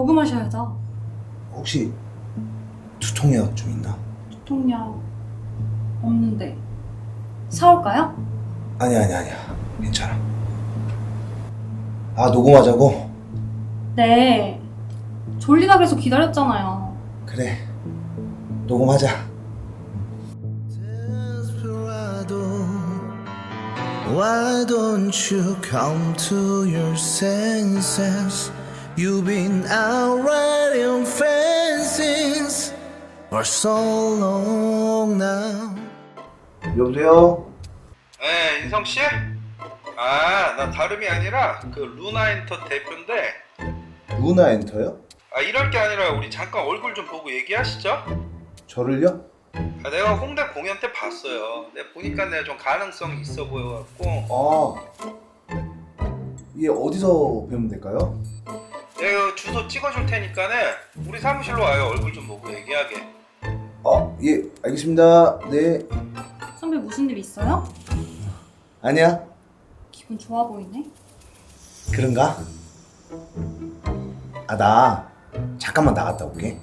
녹음하셔야죠. 혹시 두통약 좀 있나? 두통약 없는데 사올까요? 아니야 괜찮아. 아 녹음하자고? 네. 졸리다 그래서 기다렸잖아요. 그래 녹음하자. Why don't you come to your senses? You've been out riding fences for so long now. 여보세요? 네, 인성씨? 아, 나 다름이 아니라 그 루나엔터 대표인데, 루나 엔터요? 아, 이럴 게 아니라 우리 잠깐 얼굴 좀 보고 얘기하시죠? 저를요? 아, 내가 홍대 공연 때 봤어요. 내가 보니까 내가 좀 가능성이 있어 보여갖고 얘 어디서 배우면 될까요? 내가 주소 찍어줄 테니까는 우리 사무실로 와요. 얼굴 좀 보고 얘기하게. 예 알겠습니다. 네. 선배 무슨 일 있어요? 아니야. 기분 좋아 보이네. 그런가? 나 잠깐만 나갔다 올게.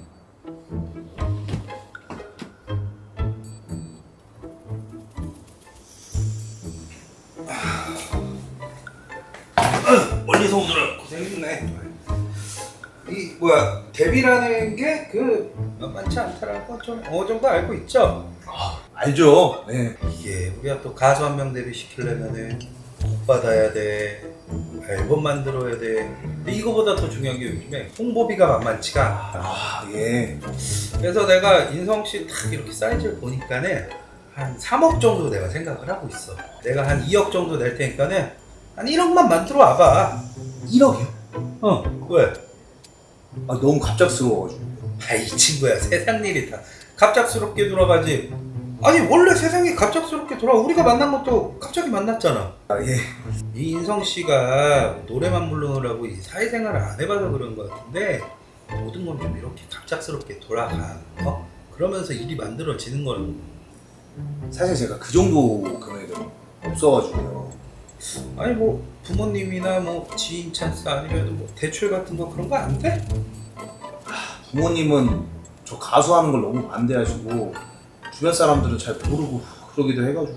멀리서 오느라 고생했네. 이 뭐야, 데뷔라는 게 그 만만치 않다라는 건 좀 어느 정도 알고 있죠? 알죠. 네. 이게 우리가 또 가수 한 명 데뷔시키려면은 곡 받아야 돼, 앨범 만들어야 돼. 근데 이거보다 더 중요한 게 요즘에 홍보비가 만만치가 않다. 예. 그래서 내가 인성씨 딱 이렇게 사이즈를 보니까는 한 3억 정도 내가 생각을 하고 있어. 내가 한 2억 정도 낼 테니까는 한 1억만 만들어 와봐. 1억이요? 왜? 너무 갑작스러워가지고. 이 친구야, 세상 일이 다 갑작스럽게 돌아가지. 아니 원래 세상이 갑작스럽게 돌아. 우리가 만난 것도 갑자기 만났잖아. 예. 이 인성씨가 노래만 부르느라고 이 사회생활을 안 해봐서 그런 것 같은데, 모든 건 좀 이렇게 갑작스럽게 돌아가. 그러면서 일이 만들어지는 거는. 사실 제가 그 정도 금액은 없어가지고요. 아니 뭐 부모님이나 뭐 지인 찬스 아니면 뭐 대출 같은 거 그런 거 안 돼? 부모님은 저 가수하는 걸 너무 반대하시고 주변 사람들은 잘 모르고 그러기도 해가지고.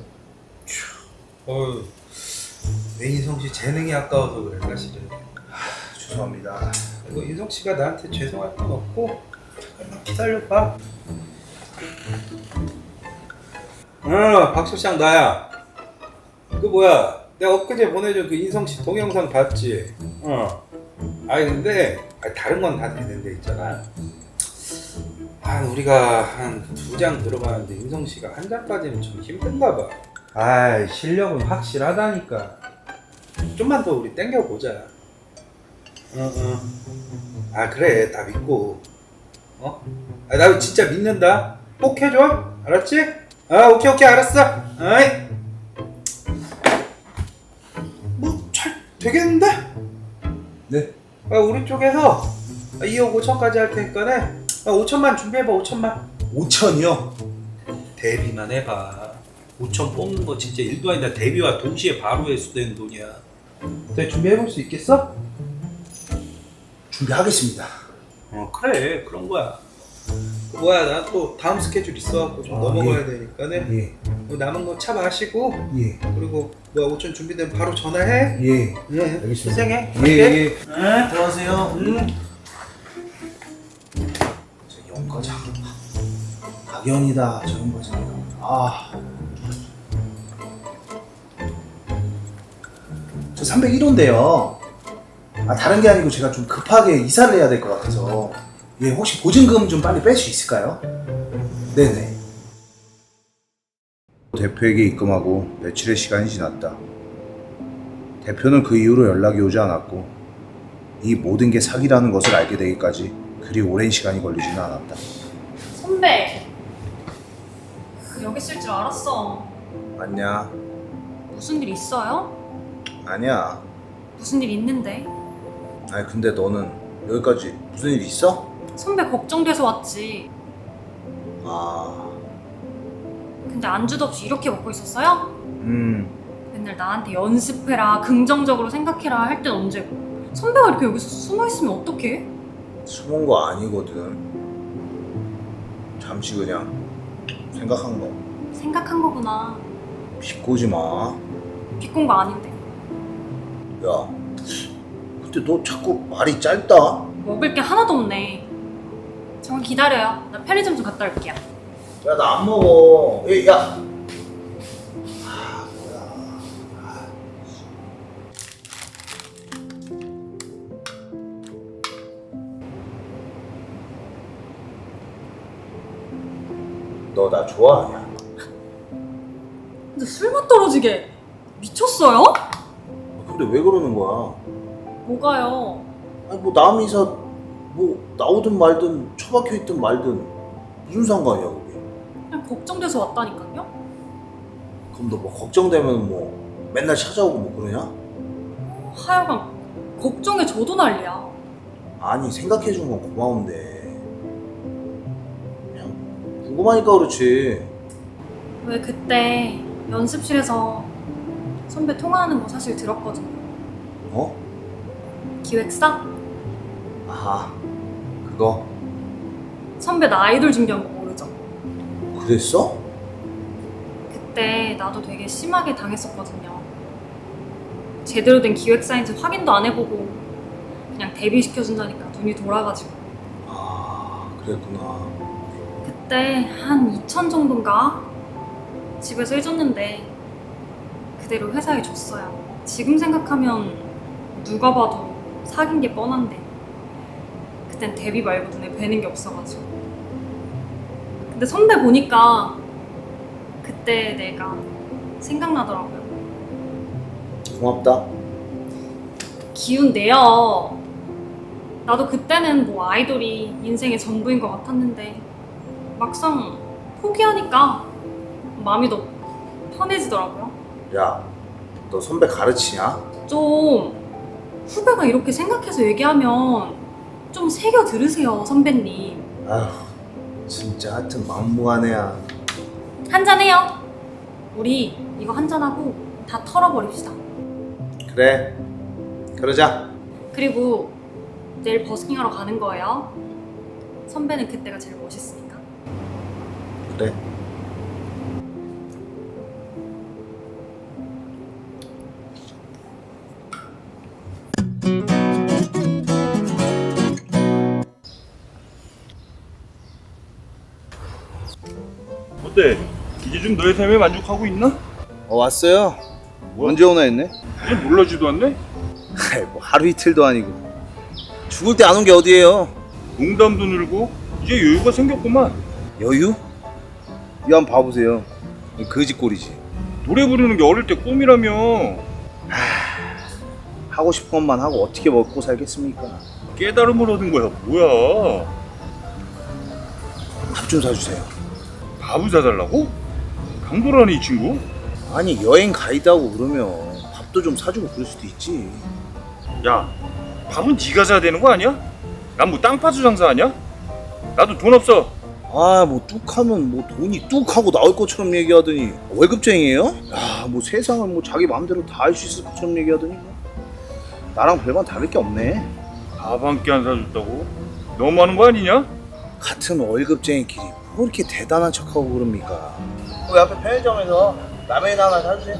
내 인성씨 재능이 아까워서 그래 사실은. 죄송합니다. 그리고 인성씨가 나한테 죄송할 건 없고, 잠깐만 기다려봐. 박 실장 나야. 그 뭐야, 내가 엊그제 보내준 그 인성씨 동영상 봤지? 아니 근데 다른 건 다 되는데 있잖아. 우리가 한 2장 들어가는데 인성씨가 한 장까지는 좀 힘든가 봐. 실력은 확실하다니까. 좀만 더 우리 땡겨보자. 그래, 나 믿고. 나 진짜 믿는다. 꼭 해줘. 알았지? 오케이 알았어. 아이. 뭐 잘 되겠는데? 네. 우리 쪽에서 2억 5천까지 할 테니까네. 5천만 준비해봐. 5천만. 5천이요? 데뷔만 해봐. 5천 뽑는 거 진짜 일도 아니다. 데뷔와 동시에 바로 회수되는 돈이야. 너 준비해볼 수 있겠어? 준비하겠습니다. 그래, 그런 거야. 나 또 다음 스케줄 있어갖고 좀 넘어가야 되니까는. 예. 남은 거 차 마시고. 예. 그리고 5천 준비되면 바로 전화해. 예. 알겠습니다. 희생해. 예. 들어가세요. 저 영과장. 악연이다 저 영과장. 저 301호인데요. 다른 게 아니고 제가 좀 급하게 이사를 해야 될 것 같아서. 예, 혹시 보증금 좀 빨리 뺄 수 있을까요? 네네. 대표에게 입금하고 며칠의 시간이 지났다. 대표는 그 이후로 연락이 오지 않았고 이 모든 게 사기라는 것을 알게 되기까지 그리 오랜 시간이 걸리지는 않았다. 선배, 여기 있을 줄 알았어. 맞냐? 무슨 일 있어요? 아니야. 무슨 일 있는데? 아니 근데 너는 여기까지 무슨 일 있어? 선배 걱정돼서 왔지. 근데 안주도 없이 이렇게 먹고 있었어요? 맨날 나한테 연습해라, 긍정적으로 생각해라 할 땐 언제고. 선배가 이렇게 여기서 숨어있으면 어떡해? 숨은 거 아니거든. 잠시 그냥 생각한 거. 생각한 거구나. 비꼬지 마. 비꼰 거 아닌데. 야, 근데 너 자꾸 말이 짧다. 먹을 게 하나도 없네. 잠깐 기다려요. 나 편의점 좀 갔다 올게요. 야, 나 안 먹어. 야. 너 나 좋아하냐? 근데 술맛 떨어지게 미쳤어요? 근데 왜 그러는 거야? 뭐가요? 아니 뭐 남이사 뭐 나오든 말든 처박혀 있든 말든 무슨 상관이야 그게? 그냥 걱정돼서 왔다니까요? 그럼 너 뭐 걱정되면 뭐 맨날 찾아오고 뭐 그러냐? 하여간 걱정에 저도 난리야. 아니 생각해준 건 고마운데 그냥 궁금하니까 그렇지. 왜 그때 연습실에서 선배 통화하는 거 사실 들었거든요. 어? 기획사? 아 그거 선배 나 아이돌 준비한 거 모르죠? 그랬어? 그때 나도 되게 심하게 당했었거든요. 제대로 된 기획사인지 확인도 안 해보고 그냥 데뷔시켜준다니까 눈이 돌아가지고. 아 그랬구나. 그때 한 2천 정도인가? 집에서 해줬는데 그대로 회사에 줬어요. 지금 생각하면 누가 봐도 사귄 게 뻔한데 그땐 데뷔 말고 눈에 뵈는 게 없어가지고. 근데 선배 보니까 그때 내가 생각나더라고요. 고맙다. 기운 내요. 나도 그때는 뭐 아이돌이 인생의 전부인 것 같았는데 막상 포기하니까 마음이 더 편해지더라고요. 야 너 선배 가르치냐? 좀 후배가 이렇게 생각해서 얘기하면 좀 새겨 들으세요, 선배님. 아휴 진짜 하여튼 막무가내야. 한잔해요. 우리 이거 한잔하고 다 털어버립시다. 그래 그러자. 그리고 내일 버스킹하러 가는 거예요. 선배는 그때가 제일 멋있으니까. 그래. 어때? 이제 좀 너의 삶에 만족하고 있나? 왔어요. 뭐야? 언제 오나 했네. 이제 놀라지도 않네? 아이 뭐 하루 이틀도 아니고 죽을 때 안 온 게 어디예요. 농담도 늘고 이제 여유가 생겼구만. 여유? 이거 한번 봐보세요. 거지꼴이지. 노래 부르는 게 어릴 때 꿈이라며. 하고 싶은 것만 하고 어떻게 먹고 살겠습니까? 깨달음을 얻은 거야. 뭐야? 밥 좀 사주세요. 밥을 사달라고? 강도라니 이 친구? 아니 여행 가이드하고 그러면 밥도 좀 사주고 그럴 수도 있지. 야, 밥은 네가 사야 되는 거 아니야? 난 뭐 땅파수 장사하냐? 나도 돈 없어. 아 뭐 뚝하면 뭐 돈이 뚝하고 나올 것처럼 얘기하더니 월급쟁이에요? 야 뭐 세상을 뭐 자기 마음대로 다 할 수 있을 것처럼 얘기하더니 뭐 나랑 별반 다를 게 없네. 밥 한 끼 안 사줬다고? 너무 하는 거 아니냐? 같은 월급쟁이끼리 뭐 이렇게 대단한 척하고 그럽니까? 우리 앞에 편의점에서 라면이나 하나 사주세요.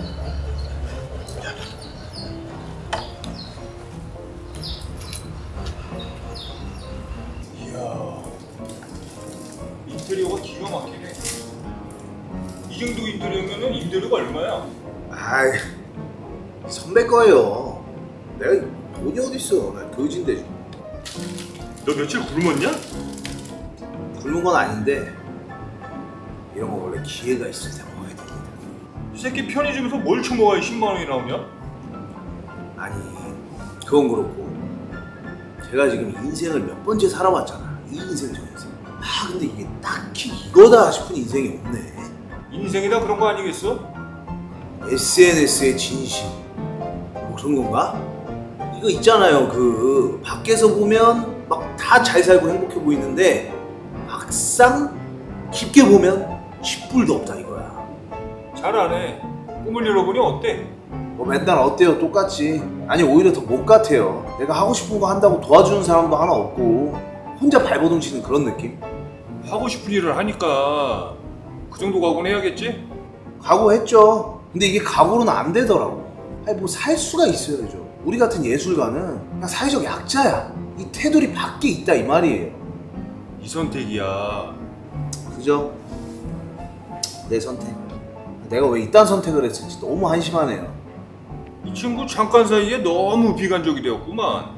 이야, 인테리어가 기가 막히네. 이 정도 인테리어면은 임대료가 얼마야? 아이 선배 거예요. 내가 돈이 어딨어. 나 거지인데. 너 며칠 굶었냐? 굶은 건 아닌데 이런 거 원래 기회가 있을 때 먹어야 됩니다. 이 새끼 편의점에서 뭘 처먹어야 10만 원이 나오냐? 아니 그건 그렇고 제가 지금 인생을 몇 번째 살아왔잖아. 이 인생 저 인생. 아 근데 이게 딱히 이거다 싶은 인생이 없네. 인생이다 그런 거 아니겠어? SNS의 진심 뭐 그런 건가? 이거 있잖아요. 그 밖에서 보면 막 다 잘 살고 행복해 보이는데 막상 깊게 보면 10불도 없다 이거야. 잘 안 해. 꿈을 잃어보니 어때? 뭐 맨날 어때요? 똑같지. 아니 오히려 더 못 같아요. 내가 하고 싶은 거 한다고 도와주는 사람도 하나 없고 혼자 발버둥 치는 그런 느낌? 하고 싶은 일을 하니까 그 정도 각오는 해야겠지? 각오했죠. 근데 이게 각오로는 안 되더라고. 아니 뭐 살 수가 있어야죠. 우리 같은 예술가는 그냥 사회적 약자야. 이 테두리 밖에 있다 이 말이에요. 이 선택이야. 그죠? 내 선택. 내가 왜 이딴 선택을 했을지 너무 한심하네요. 이 친구 잠깐 사이에 너무 비관적이 되었구만.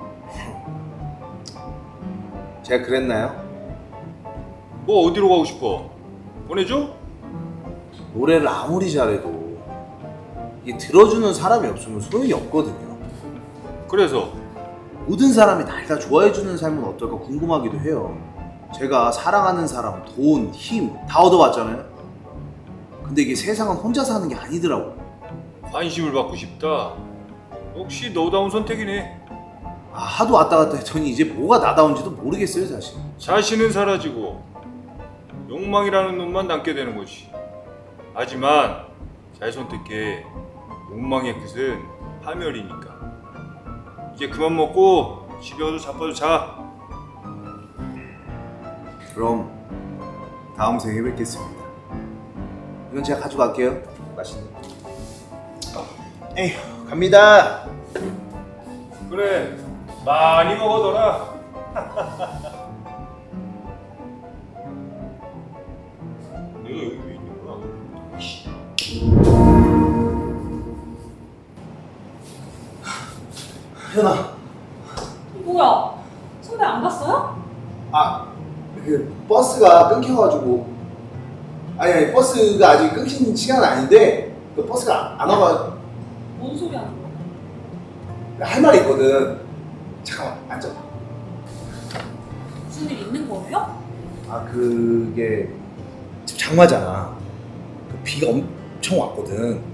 제가 그랬나요? 뭐 어디로 가고 싶어? 보내줘? 노래를 아무리 잘해도 이게 들어주는 사람이 없으면 소용이 없거든요. 그래서 모든 사람이 날 다 좋아해주는 삶은 어떨까 궁금하기도 해요. 제가 사랑하는 사람, 돈, 힘 다 얻어봤잖아요. 근데 이게 세상은 혼자 사는 게 아니더라고. 관심을 받고 싶다. 역시 너다운 선택이네. 하도 왔다 갔다 했더니 이제 뭐가 나다운지도 모르겠어요 사실. 자신은 사라지고 욕망이라는 놈만 남게 되는 거지. 하지만 잘 선택해. 욕망의 끝은 파멸이니까. 이제 그만 먹고 집에 가서 자빠져 자. 그럼 다음 생에 뵙겠습니다. 이건 제가 가져갈게요. 맛있는 에휴 갑니다. 그래, 많이 먹어둬라. 내가 여기 왜 있는 거야? 현아, 뭐야? 선배 안 갔어요? 그 버스가 끊겨가지고 아니 버스가 아직 끊긴 시간은 아닌데 그 버스가 안 와가 뭔 소리 하는 거야? 할 말이 있거든. 잠깐만 앉아. 무슨 일 있는 거예요? 그게 지금 장마잖아. 그 비가 엄청 왔거든.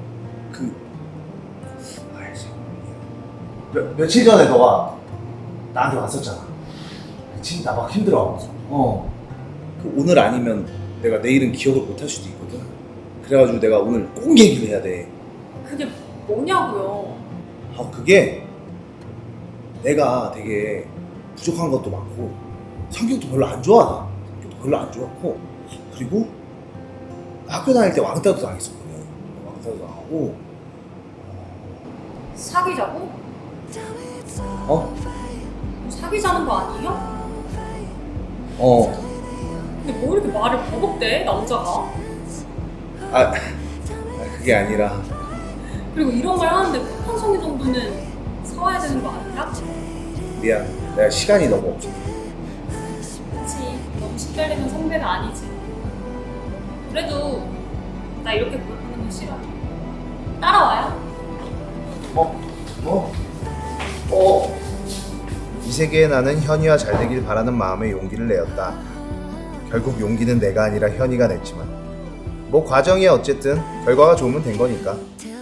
며칠 전에 너가 나한테 왔었잖아. 진짜 나 막 힘들어하면서. 그 오늘 아니면 내가 내일은 기억을 못 할 수도 있거든. 그래가지고 내가 오늘 꼭 얘기를 해야 돼. 그게 뭐냐고요? 그게 내가 되게 부족한 것도 많고 성격도 별로 안 좋아. 성격도 별로 안 좋았고 그리고 학교 다닐 때 왕따도 당했었거든. 왕따도 당하고 사귀자고? 사귀자는 거 아니에요? 근데 뭐 이렇게 말을 버벅대 남자가? 그게 아니라 그리고 이런 말 하는데 폭탄성이 정도는 사와야 되는 거 아니야? 미안. 내가 시간이 너무 없어. 그치, 너무 시달리는 선배가 아니지. 그래도 나 이렇게 보여주는 거 싫어. 따라와요. 이 세계에 나는 현이와 잘 되길 바라는 마음에 용기를 내었다. 결국 용기는 내가 아니라 현이가 냈지만 뭐 과정이 어쨌든 결과가 좋으면 된 거니까.